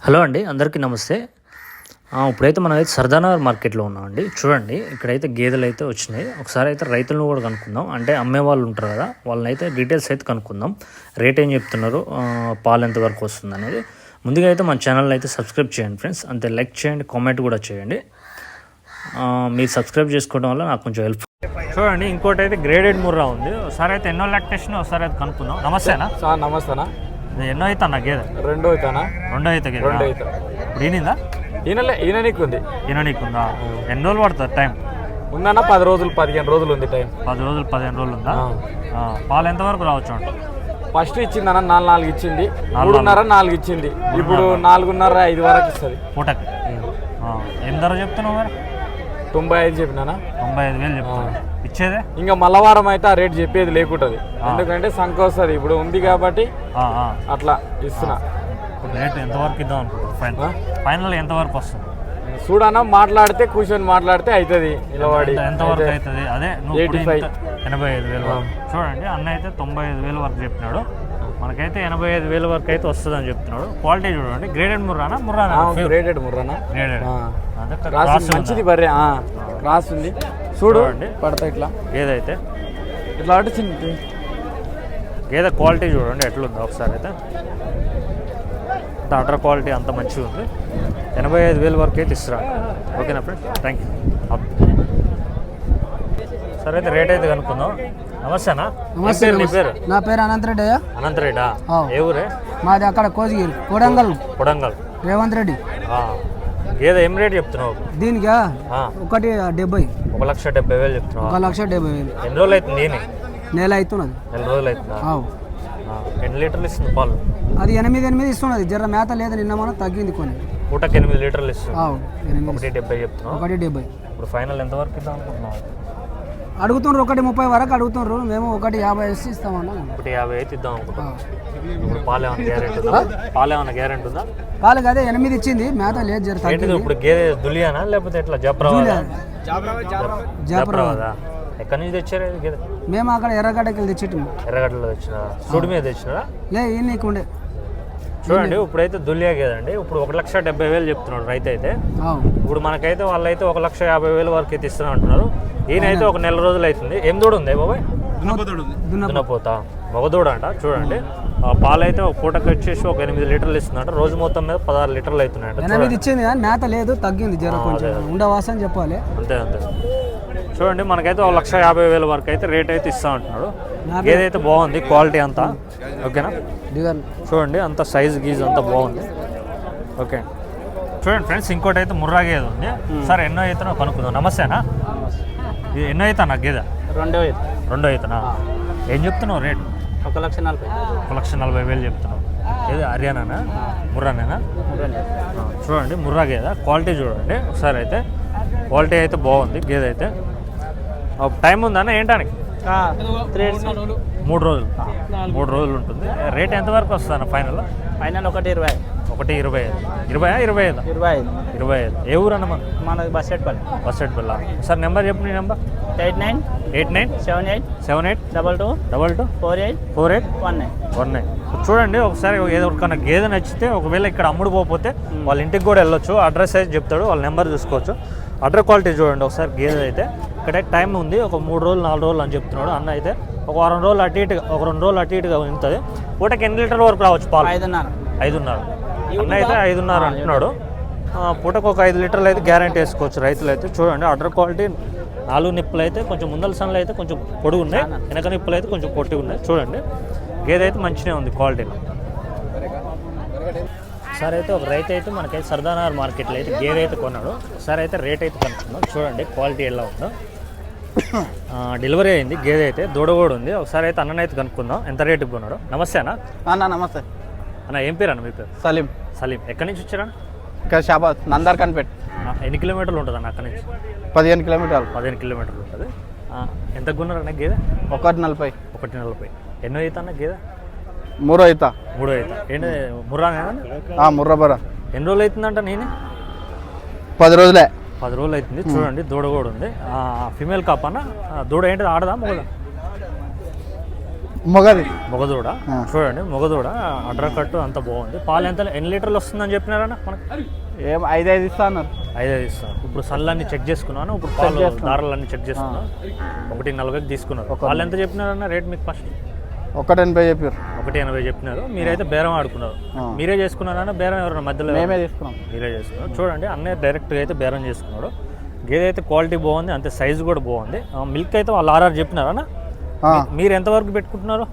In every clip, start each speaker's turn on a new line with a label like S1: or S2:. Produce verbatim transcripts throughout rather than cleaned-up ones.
S1: Hello అండి, అందరికీ నమస్తే. ఇప్పుడైతే మనమైతే సర్దానగర్ మార్కెట్లో ఉన్నామండి. చూడండి, ఇక్కడైతే గేదెలు అయితే వచ్చినాయి. ఒకసారి అయితే రైతులను కూడా కనుక్కుందాం. అంటే అమ్మే వాళ్ళు ఉంటారు కదా, వాళ్ళని అయితే డీటెయిల్స్ అయితే కనుక్కుందాం. రేట్ ఏం చెప్తున్నారు, పాలు ఎంతవరకు వస్తుంది అనేది. ముందుగా అయితే మన ఛానల్ని అయితే సబ్స్క్రైబ్ చేయండి ఫ్రెండ్స్. అంతే లైక్ చేయండి, కామెంట్ కూడా చేయండి. మీరు సబ్స్క్రైబ్ చేసుకోవడం వల్ల నాకు కొంచెం హెల్ప్. చూడండి, ఇంకోటి అయితే గ్రేడెడ్ ముర్రా ఉంది. ఒకసారి అయితే ఎన్నో లాక్టేషన్ ఒకసారి అయితే కనుక్కుందాం. నమస్తేనా
S2: సార్? నమస్తేనా.
S1: ఎన్నో అవుతా నా గేదె?
S2: రెండో అవుతానా?
S1: రెండో అయితే
S2: రెండో అవుతా.
S1: ఇప్పుడు ఈనిందా?
S2: ఈయనలే ఈయన నీకు ఉంది.
S1: ఈయన నీకుందా? ఎన్ని రోజులు పడుతుంది టైం?
S2: ఉందన్నా పది రోజులు పదిహేను రోజులు ఉంది టైం.
S1: పది రోజులు పదిహేను రోజులు ఉందా? పాలు ఎంతవరకు రావచ్చు అంట?
S2: ఫస్ట్ ఇచ్చిందన్న నాలుగు నాలుగు ఇచ్చింది, మూడున్నర నాలుగు ఇచ్చింది. ఇప్పుడు నాలుగున్నర ఐదు వరకు ఇస్తుంది
S1: పూటకి. ఏం ధర చెప్తున్నావు మరి?
S2: తొంభై ఐదు చెప్పినా.
S1: తొంభై ఐదు వేలు చెప్తాను. ఇచ్చేదే
S2: ఇంకా మల్లవారం అయితే ఆ రేట్ చెప్పేది లేకుంటుంది, ఎందుకంటే సంఖ వస్తుంది. ఇప్పుడు ఉంది కాబట్టి అట్లా ఇస్తున్నా.
S1: రేట్ ఎంతవరకు ఇద్దాం అనుకుంటున్నా? ఫైనల్ ఫైనల్ ఎంతవరకు వస్తుంది
S2: చూడన్నా. మాట్లాడితే కూర్చొని మాట్లాడితే అవుతుంది. నిలబడి
S1: ఎంతవరకు అవుతుంది? అదే
S2: ఎయిటీ ఫైవ్
S1: ఎనభై ఐదు వేలు వరకు. చూడండి, అన్న అయితే తొంభై ఐదు వేలు వరకు చెప్పినాడు. మనకైతే ఎనభై ఐదు వేల వరకు అయితే వస్తుంది అని చెప్తున్నాడు. క్వాలిటీ చూడండి. గ్రేడెడ్ ముర్రానా? ముర్రానా?
S2: గ్రేడెడ్ ముర్రానా.
S1: గ్రేడెడ్
S2: మంచిది బర్రె. క్రాస్ ఉంది చూడు, పడతా ఇట్లా.
S1: ఏదైతే
S2: ఇట్లా అంటే చిన్న
S1: గేదె క్వాలిటీ చూడండి ఎట్లుందో ఒకసారి అయితే. అటర్ క్వాలిటీ అంత మంచిగా ఉంది. ఎనభై ఐదు వేల వరకు అయితే ఇస్తున్నాను. ఓకేనా ఫ్రెండ్స్? Thank you. సరే అయితే రేట్ అయితే కనుక్కుందాం. నమస్తేనా?
S3: నమస్తే.
S1: నీ పేరు?
S3: నా పేరు అనంతరెడ్డి.
S1: అనంతరెడ్డా? ఏ ఊరే?
S3: మాది అక్కడ కోజిగిరి, కొడంగల్.
S1: కొడంగల్.
S3: రేవంత్ రెడ్డి.
S1: గేదె ఏం రేట్ చెప్తున్నావు
S3: దీనికా? ఒకటి డెబ్బై.
S1: ఒక లక్ష డెబ్బై వేలు చెప్తున్నావు.
S3: ఒక లక్ష డెబ్బై వేలు.
S1: ఎన్ని రోజులు అవుతుంది నేను?
S3: నెల అవుతున్నది.
S1: నెల రోజులు అవుతుందా? ఎన్ని లీటర్లు ఇస్తుంది పాలు?
S3: అది ఎనిమిది ఎనిమిది ఇస్తున్నది. జర మేత లేదు, నిన్న మనం తగ్గింది కొన్ని.
S1: పూటకి ఎనిమిది లీటర్లు ఇస్తుంది.
S3: ఒకటి
S1: డెబ్బై చెప్తున్నావు.
S3: ఒకటి డెబ్బై.
S1: ఇప్పుడు ఫైనల్ ఎంత వరకు ఇద్దాం అనుకుంటున్నావు?
S3: అడుగుతుండ్రు ఒకటి ముప్పై వరకు అడుగుతుండ్రు. మేము ఒకటి యాభై వేసి ఇస్తామన్నా.
S1: ఒకటి యాభై అయితే ఇద్దాం అనుకుంటున్నాం. ఇప్పుడు పాలు ఏమైనా గ్యారెంటీ ఉందా? పాలు ఏమైనా గ్యారెంటీ ఉందా?
S3: పాలు అదే ఎనిమిది ఇచ్చింది, మేత లేదు. జర తగ్గింది.
S1: ఇప్పుడు గేదె దులియానా లేకపోతే ఎట్లా? జబ్రావాదా? జబ్రావాదా? ఎక్కడి నుంచి తెచ్చారు గేదె?
S3: మేము అక్కడ ఎర్రగడ్డకి వెళ్ళి తెచ్చి.
S1: ఎర్రగడ్డలో తెచ్చినా? సుడి మీద తెచ్చినారా?
S3: లే, ఈ నీకు ఉండే.
S1: చూడండి, ఇప్పుడైతే దులియా గేదండి. ఇప్పుడు ఒక లక్ష డెబ్బై వేలు చెప్తున్నాడు రైతు అయితే. ఇప్పుడు మనకైతే వాళ్ళైతే ఒక లక్ష యాభై వేలు వరకు అయితే ఇస్తున్నా అంటున్నారు. ఈయనైతే ఒక నెల రోజులు అవుతుంది. ఏం దూడ ఉంది బాబాయ్? దున్నపోతా మగదూడ అంట. చూడండి, పాలు అయితే ఒక పూటకి వచ్చేసి ఒక ఎనిమిది లీటర్లు ఇస్తుందంట. రోజు మొత్తం మీద పదహారు లీటర్లు అవుతున్నాయంట.
S3: ఎనిమిది ఇచ్చింది కానీ మేత లేదు, తగ్గింది. జర కొంచెం ఉండవాసని చెప్పాలి.
S1: అంతే అంతే. చూడండి, మనకైతే ఒక లక్ష యాభై వేల వరకు అయితే రేట్ అయితే ఇస్తా అంటున్నాడు. ఏదైతే బాగుంది క్వాలిటీ అంతా. ఓకేనా? చూడండి, అంత సైజ్ గీజ్ అంతా బాగుంది. ఓకే, చూడండి ఫ్రెండ్స్, ఇంకోటి అయితే ముర్రా గేదె ఉంది. సార్ ఎన్నో అవుతానో కనుక్కుందాం. నమస్తేనా? ఇది ఎన్నో అవుతా నా గేదె?
S2: రెండో అవుతా.
S1: రెండో అవుతానా? ఏం చెప్తున్నావు రేట్?
S2: ఒక లక్ష నలభై.
S1: ఒక లక్ష నలభై వేలు చెప్తున్నావు. ఏది హర్యానానా ముర్రానేనా? చూడండి, ముర్రా గేదె క్వాలిటీ చూడండి ఒకసారి అయితే. క్వాలిటీ అయితే బాగుంది గేదె అయితే. టైం ఉందన్న ఏంటానికి? మూడు రోజులు మూడు రోజులు ఉంటుంది. రేట్ ఎంతవరకు వస్తుంది ఫైనల్?
S2: ఫైనల్ ఒకటి ఇరవై.
S1: ఒకటి ఇరవై ఐదు. ఇరవై ఇరవై ఐదు
S2: ఇరవై ఐదు
S1: ఇరవై ఐదు. ఏ ఊరు అన్న?
S2: మనది బస్సెట్పల్లి.
S1: బస్సెట్పల్లి. సార్ నెంబర్ చెప్పు. నీ number?
S2: Eight nine
S1: eight nine
S2: seven eight
S1: seven eight
S2: double two
S1: double two
S2: four eight
S1: four eight
S2: one nine
S1: one nine. చూడండి, ఒకసారి ఏదైనా గేదె నచ్చితే ఒకవేళ ఇక్కడ అమ్ముడు పోతే వాళ్ళ ఇంటికి కూడా వెళ్ళొచ్చు. అడ్రస్ అయితే చెప్తాడు, వాళ్ళ నెంబర్ చూసుకోవచ్చు. అడ్రస్ క్వాలిటీ చూడండి ఒకసారి. గేదె అయితే ఇక్కడ టైం ఉంది, ఒక మూడు రోజులు నాలుగు రోజులు అని చెప్తున్నాడు అన్న. అయితే ఒక వారం రోజులు అటు ఇటుగా ఒక రెండు రోజులు అటు ఇటుగా ఉంటుంది. పూటకి ఎన్ని లీటర్ల వరకు రావచ్చు పాలు?
S2: ఐదున్నర.
S1: ఐదున్నర అన్న అయితే ఐదున్నర అంటున్నాడు. పూటకు ఒక ఐదు లీటర్లు అయితే గ్యారంటీ వేసుకోవచ్చు రైతులు అయితే. చూడండి, అడ్డర్ క్వాలిటీ. నాలుగు నిప్పులు అయితే కొంచెం ముందల సన్లు అయితే కొంచెం పొడుగు ఉన్నాయి, వెనక నిప్పులు అయితే కొంచెం పొట్టిగా ఉన్నాయి. చూడండి, గేదె అయితే మంచిగా ఉంది క్వాలిటీలో. సార్ అయితే ఒక రైతు అయితే మనకైతే సర్దానగర్ మార్కెట్లో అయితే గేదె అయితే కొన్నాడు. సార్ అయితే రేట్ అయితే కనుక్కున్నాం. చూడండి క్వాలిటీ ఎలా ఉందో. డెలివరీ అయింది గేదె అయితే, దూడ కూడా ఉంది. ఒకసారి అయితే అన్ననైతే కనుక్కుందాం ఎంత రేటుకి కొన్నాడు. నమస్తే అన్న.
S2: అన్న నమస్తే
S1: అన్న. ఏం పేరు అన్న మీ పేరు?
S2: సలీం.
S1: సలీం. ఎక్కడి నుంచి వచ్చారా?
S2: ఇక్కడ షాబాద్ నందర్ కనిపెట్.
S1: ఎన్ని కిలోమీటర్లు ఉంటుంది అన్న అక్కడి నుంచి?
S2: పదిహేను కిలోమీటర్లు.
S1: పదిహేను కిలోమీటర్లు ఉంటుంది. ఎంత కొన్నారన్న గేదె?
S2: ఒకటి నలభై.
S1: ఒకటి నలభై. ఎన్నో అవుతా అన్న గేదె?
S2: మూడో అవుతా.
S1: మూడో అవుతా. ఏంటి ముర్రానేనా?
S2: ముర్రా బరా.
S1: ఎన్ని రోజులు అవుతుందంట? నేను
S2: పది రోజులే.
S1: పది రోజులు అవుతుంది. చూడండి, దూడ కూడా ఉంది. ఫిమేల్ కాప్ అన్న. దూడ ఏంటి? ఆడదా మొగదా?
S4: మొగది
S1: మొగదూడ చూడండి, మొగదూడ అడ్ర కట్టు అంత బాగుంది. పాలు ఎంత ఎన్ని లీటర్లు వస్తుందని చెప్పినారన్న మనకి?
S4: ఏం ఐదు ఐదు ఇస్తా అన్నారు.
S1: ఐదు ఐదు ఇస్తాను. ఇప్పుడు సల్లన్నీ చెక్ చేసుకున్నాను, ఇప్పుడు పాలు దారాలన్నీ చెక్ చేసుకున్నాను. ఒకటి నలభైకి తీసుకున్నారు. పాలు ఎంత చెప్పినారన్న రేట్ మీకు ఫస్ట్?
S4: ఒకటి ఎనభై చెప్పారు.
S1: ఒకటి ఎనభై చెప్పినారు. మీరైతే బేరం ఆడుకున్నారు. మీరే చేసుకున్నారన్న బేరం? ఎవరన్నా మధ్యలో?
S4: మేమే తీసుకున్నాం.
S1: మీరే చేసుకున్నారు. చూడండి అన్నయ్య డైరెక్ట్గా అయితే బేరం చేసుకున్నాడు. గేదె అయితే క్వాలిటీ బాగుంది, అంతే సైజు కూడా బాగుంది. మిల్క్ అయితే వాళ్ళు ఆర్ఆర్ చెప్పినారన్న? మీరు ఎంతవరకు పెట్టుకుంటున్నారు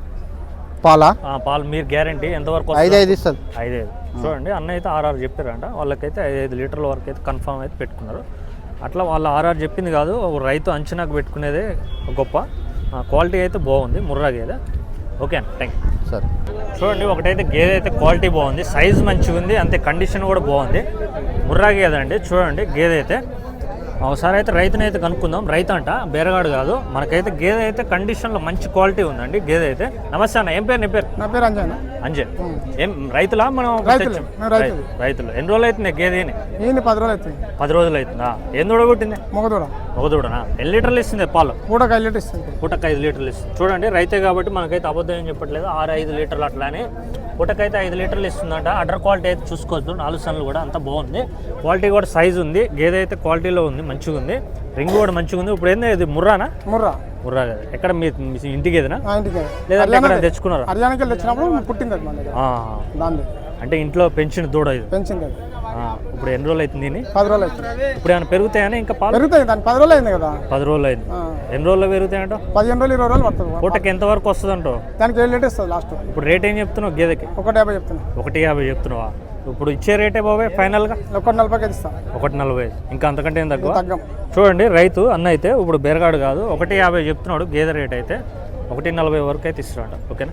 S4: పాలా?
S1: పాలు మీరు గ్యారంటీ ఎంతవరకు?
S4: ఐదు ఐదు ఇస్తుంది.
S1: ఐదు ఐదు. చూడండి అన్న అయితే ఆర్ఆర్ చెప్పారంట. వాళ్ళకైతే ఐదు ఐదు లీటర్ల వరకు అయితే కన్ఫామ్ అయితే పెట్టుకున్నారు. అట్లా వాళ్ళు ఆర్ఆర్ చెప్పింది కాదు, రైతు అంచనాకు పెట్టుకునేదే గొప్ప. క్వాలిటీ అయితే బాగుంది, ముర్రా గేదె. ఓకే అన్న, థ్యాంక్ యూ.
S4: సరే.
S1: చూడండి ఒకటైతే గేదె అయితే క్వాలిటీ బాగుంది, సైజు మంచిగా ఉంది, అంతే కండిషన్ కూడా బాగుంది. ముర్రా గేదె అండి. చూడండి గేదె అయితే ఒకసారి అయితే రైతుని అయితే కనుక్కుందాం. రైతు అంట, బేరగాడు కాదు. మనకైతే గేదె అయితే కండిషన్లో మంచి క్వాలిటీ ఉందండి గేదె అయితే. నమస్తే అన్న, ఏం పేరు? నీ పేరు?
S4: నా పేరు అంజయ్.
S1: అంజయ్. ఏం రైతులా మనం?
S4: రైతులు.
S1: రైతులు. ఎన్ని రోజులు అవుతుంది గేదెని?
S4: నేను పది రోజులు అవుతుంది.
S1: పది రోజులు అవుతుందా? ఏం దూడ కొట్టింది?
S4: మొగదూడ.
S1: మొగదూడనా? ఎన్ని లీటర్లు ఇస్తుంది పాలు?
S4: పూటకు ఐదు లీటర్ ఇస్తుంది.
S1: పూటకు ఐదు లీటర్లు ఇస్తుంది. చూడండి రైతే కాబట్టి మనకైతే అబద్ధం ఏం చెప్పట్లేదు. ఆరు ఐదు లీటర్లు అట్లానే పూటకైతే ఐదు లీటర్లు ఇస్తుందంట. అడ్డర్ క్వాలిటీ అయితే చూసుకోవచ్చు. నాలుగు సన్నులు కూడా అంత బాగుంది. క్వాలిటీ కూడా సైజు ఉంది. గేదె అయితే క్వాలిటీలో ఉంది, మంచిగా ఉంది. రింగ్ కూడా మంచిగా ఉంది. ఇప్పుడు ఏంది ఇది? ముర్రానా?
S4: ముర్రా.
S1: ముర్రా కదా. ఎక్కడ మీ ఇంటికి ఏదైనా?
S4: ఇంటికి.
S1: లేదంటే ఎక్కడ తెచ్చుకున్నారా?
S4: హర్యానాకి తెచ్చినప్పుడు పుట్టింది అది మన దగ్గర.
S1: అంటే ఇంట్లో పెంచిన దూడ ఇది?
S4: పెంచింది.
S1: ఇప్పుడు ఎన్ని రోజులు అవుతుంది?
S4: పది రోజులు అవుతుంది.
S1: ఇప్పుడు ఏమైనా పెరుగుతాయని? ఇంకా పాలు
S4: పెరుగుతాయి. దాని పది రోజులు అయింది కదా.
S1: పది రోజులు అయింది. ఎన్ని రోజుల్లో పెరుగుతాయంట?
S4: పదిహేను రోజులు ఇరవై రోజులు పడుతుంది.
S1: పూటకి ఎంత వరకు వస్తుంది అంటో?
S4: దానికి ఏడు లీటర్ ఇస్తుంది లాస్ట్.
S1: ఇప్పుడు రేట్ ఏం చెప్తున్నావు గేదెకి?
S4: ఒకటి యాభై చెప్తున్నా.
S1: ఒకటి యాభై చెప్తున్నావా? ఇప్పుడు ఇచ్చే రేటే బాబాయ్ ఫైనల్గా?
S4: ఒకటి నలభైకి ఇస్తా.
S1: ఒకటి నలభై. ఇంకా అంతకంటే ఏం తక్కువ?
S4: తగ్గం.
S1: చూడండి రైతు అన్న అయితే ఇప్పుడు బెరగాడు కాదు, ఒకటి యాభై చెప్తున్నాడు గేదె రేట్ అయితే. ఒకటి నలభై వరకు అయితే ఇస్తున్నాడు. ఓకేనా?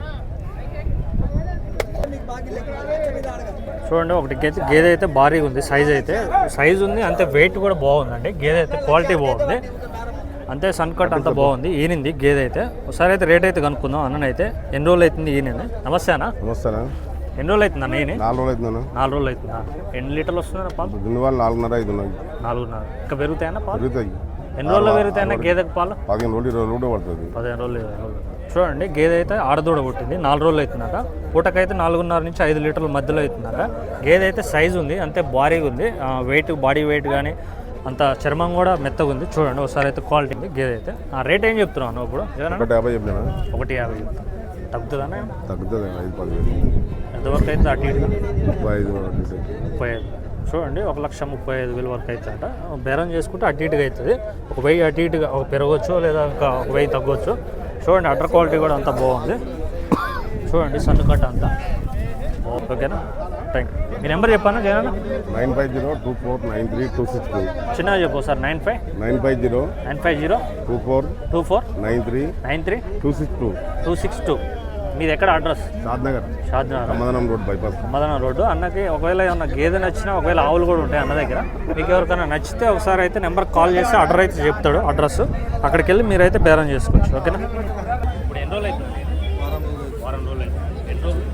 S1: చూడండి ఒకటి గేదె గేదె అయితే భారీగా ఉంది. సైజ్ అయితే సైజ్ ఉంది, అంతే వెయిట్ కూడా బాగుందండి. గేదె అయితే క్వాలిటీ బాగుంది, అంతే సన్ కట్ అంతా బాగుంది. ఈనింది గేదె అయితే. ఒకసారి అయితే రేట్ అయితే కనుక్కుందాం. అన్ననైతే ఎన్ని రోజులు అవుతుంది ఈయన? నమస్తే అన్న.
S5: నమస్తేనా.
S1: ఎన్ని రోజులు అవుతుంది అన్న ఈయన?
S5: నాలుగు రోజులు అవుతుందన్న.
S1: నాలుగు రోజులు అవుతుందా? ఎన్ని లీటర్లు వస్తుందన్న పాలు?
S5: దున్నివాళ్ళు నాలుగున్నర ఐదు ఉన్నాయి.
S1: నాలుగున్నర. ఇంకా పెరుగుతాయన్న పాలు?
S5: పెరుగుతాయి.
S1: ఎన్ని రోజుల్లో పెరుగుతాయన్న గేదెకి పాలు?
S5: పదిహేను రోజులు ఇరవై రోజులు పడుతుంది.
S1: పదిహేను రోజులు ఇరవై రోజులు. చూడండి గేదె అయితే ఆడదూడ పుట్టింది. నాలుగు రోజులు అవుతుందట. పూటకైతే నాలుగున్నర నుంచి ఐదు లీటర్ల మధ్యలో అవుతుందట. గేదె అయితే సైజు ఉంది, అంతే భారీగా ఉంది. వెయిట్ బాడీ వెయిట్ కానీ అంత చర్మం కూడా మెత్తగా ఉంది. చూడండి ఒకసారి అయితే క్వాలిటీ ఉంది గేదె అయితే. ఆ రేట్ ఏం చెప్తున్నాను ఇప్పుడు?
S5: ఒకటి యాభై చెప్పినా.
S1: ఒకటి యాభై చెప్తాను. తగ్గుతుందా?
S5: తగ్గుతుంది. ఐదు పదివేలు
S1: ఎంతవరకు అయితే అటు ఇటు?
S5: ముప్పై ఐదు
S1: ముప్పై ఐదు. చూడండి ఒక లక్ష ముప్పై ఐదు వేల వరకు అవుతుందట. బేరం చేసుకుంటే అటు ఇటుగా అవుతుంది. ఒక వెయ్యి అటు ఇటుగా ఒక పెరగవచ్చు, లేదా ఇంకా ఒక వెయ్యి తగ్గవచ్చు. చూడండి అడ్డర్ క్వాలిటీ కూడా అంతా బాగుంది. చూడండి సన్ను కట్ట అంతా. ఓకేనా? Thank you. మీ నెంబర్ చెప్పానా Jagan?
S5: Nine five zero two four nine three two six two.
S1: చిన్నగా చెప్పు sir. Nine five
S5: nine five zero
S1: nine five zero
S5: two four
S1: two four
S5: nine three
S1: nine three
S5: two six two
S1: two six two. మీది ఎక్కడ address?
S5: Shadnagar.
S1: Shadnagar
S5: సమాధానం road bypass.
S1: సమాధానం road. అన్నకి ఒకవేళ ఏమన్నా గేదె నచ్చినా, ఒకవేళ ఆవులు కూడా ఉంటాయి అన్న దగ్గర. మీకు ఎవరికైనా నచ్చితే ఒకసారి అయితే నెంబర్ కాల్ చేసి అడ్రస్ అయితే చెప్తాడు. అడ్రస్ అక్కడికి వెళ్ళి మీరైతే బేరం చేసుకోవచ్చు. ఓకేనా? ఇప్పుడు ఎన్ని రోజులు అవుతుంది? వారం రోజులు అవుతుంది. ఎన్ని రోజులు?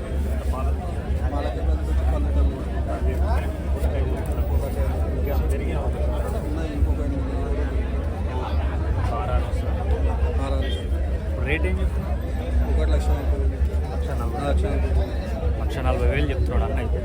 S1: రేట్ ఏం చెప్తున్నా?
S4: ఒకటి లక్ష
S1: లక్ష నలభై లక్ష నలభై వేలు చెప్తున్నాడు అన్న అయితే.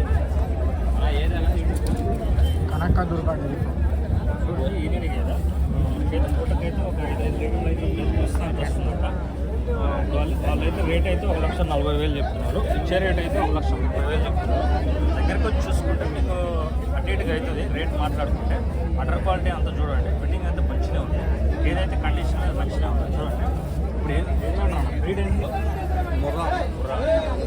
S4: కనక్క దొరకండి.
S1: ఈయన కదా పూటకైతే ఒక ఐదు ఐదు లీటర్లు అయితే వస్తాను వస్తుందంట. వాళ్ళు వాళ్ళైతే రేట్ అయితే ఒక లక్ష నలభై వేలు చెప్తున్నారు. ఇచ్చే రేట్ అయితే ఒక లక్ష ముప్పై వేలు చెప్తున్నారు. దగ్గరకు వచ్చి చూసుకుంటే మీకు అటు ఇటుగా అవుతుంది రేట్ మాట్లాడుకుంటే. అటర్ క్వాలిటీ అంతా చూడండి, ఫిట్టింగ్ అంతా మంచిగా ఉంది. ఏదైతే కండిషన్ మంచిగా ఉంది చూడండి. ఇప్పుడు ఏం ఏమన్నా బ్రీడ్ ఏంటి? ముర్రా. ముర్రా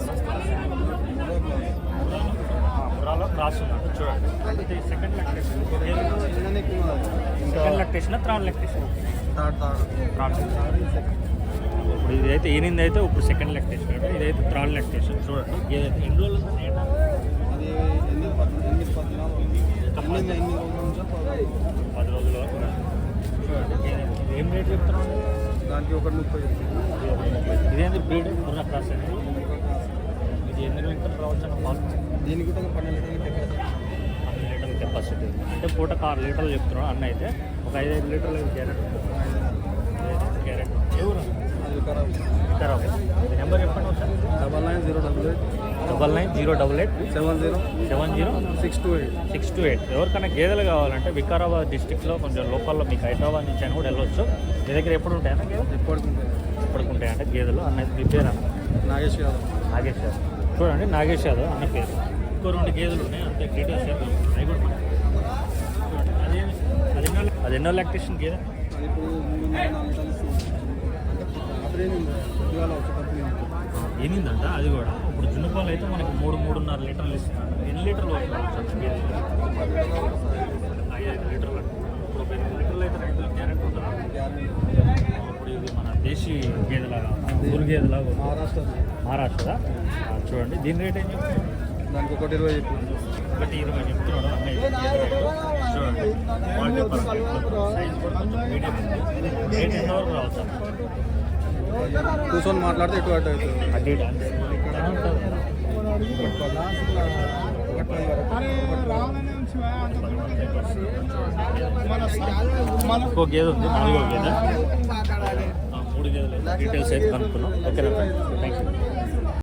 S1: ముర్రాలో క్రాస్ ఉందంట. చూడండి అంటే second lactation. Second lactation third lactation? Third. ఇప్పుడు ఇదైతే ఈనింది అయితే ఇప్పుడు సెకండ్ లెక్టేషన్ అంటే, ఇదైతే థర్డ్ లెక్టేషన్. చూడండి ఏదైతే ఎన్ని రోజులు పది రోజుల వరకు. చూడండి ఏం రేట్ చెప్తున్నాం?
S4: దానికి ఒకటి ముప్పై.
S1: ఇదేంటి బ్రీడ్? ముర్రా క్రాస్ అండి. ఇది ఎన్ని లీటర్లు రావచ్చు అన్న పాలు?
S4: దీనికి పన్నెండు లీటర్లు
S1: పన్నెండు లీటర్ల కెపాసిటీ. అంటే పూటకు ఆరు లీటర్లు చెప్తున్నాడు అన్న అయితే. ఒక ఐదు ఐదు లీటర్లు గ్యారెంటీ. గ్యారెంటీ. ఎవరు? వికారాబాద్. మీ నెంబర్ చెప్పండి ఒకసారి.
S4: Double nine zero double eight
S1: double nine zero double eight
S4: seven zero
S1: seven zero
S4: six two eight.
S1: Six two eight. ఎవరికైనా గేదెలు కావాలంటే వికారాబాద్ డిస్టిక్లో కొంచెం లోకల్లో మీకు హైదరాబాద్ నుంచి అని కూడా వెళ్ళొచ్చు. మీ దగ్గర ఎప్పుడు ఉంటాయన్నా గేదెలు?
S4: ఎప్పటికుంటాయి
S1: ఎప్పటికి ఉంటాయంటే గేదెలు. అన్నది మీ పేరు అన్న?
S4: నాగేష్ యాదవ్.
S1: నాగేష్ యాదవ్. చూడండి నాగేష్ యాదవ్ అన్న పేరు. ఇంకో రెండు గేదెలు ఉన్నాయి అంతే. డీటెయిల్స్ చేద్దాం. అవి కూడా మనం చూడండి. అది అది ఎన్నో అది ఎన్నో లాక్టేషన్ గేదె?
S4: అది ఇప్పుడు మూడు వందల నాలుగు లీటర్లు రాత్రి పొద్దుగాల వచ్చేటప్పుడు
S1: ఎనిమిదంట అది కూడా. ఇప్పుడు జున్నుపాలు అయితే మనకి మూడు మూడున్నర లీటర్లు ఇస్తున్నాడు. ఎన్ని లీటర్లు వస్తుంది గేదె? ఐదు లీటర్లు. ఇప్పుడు ఒక ఎనిమిది లీటర్లు అయితే రైతులకు గ్యారెంటీ ఉంటుందా? ఇప్పుడు ఇది మన దేశీ గేదెలాగా ఊరు గేదెలాగా ఉంది.
S4: మహారాష్ట్ర
S1: మహారాష్ట్ర. చూడండి దీని రేట్ ఏం చెప్తుంది?
S4: దానికి ఒకటి ఇరవై చెప్పింది.
S1: ఒకటి ఇరవై చెప్తున్నాడు అన్నయ్య. చూడండి క్వాలిటీ పర్ఫెక్ట్, సైజ్ కూడా కొంచెం మీడియం ఉంది. రేట్ ఎంత వరకు రావచ్చు?
S4: కూర్చొని మాట్లాడితే ఎటు అటు అవుతుంది.
S1: అడ్డీ డాన్స్ ఇంకో గేదె ఉంది, నాలుగో గేదె. ఆ, మూడు గేదెలు డీటెయిల్స్ అయితే కనుక్కున్నాం. ఓకేనా? Thank you.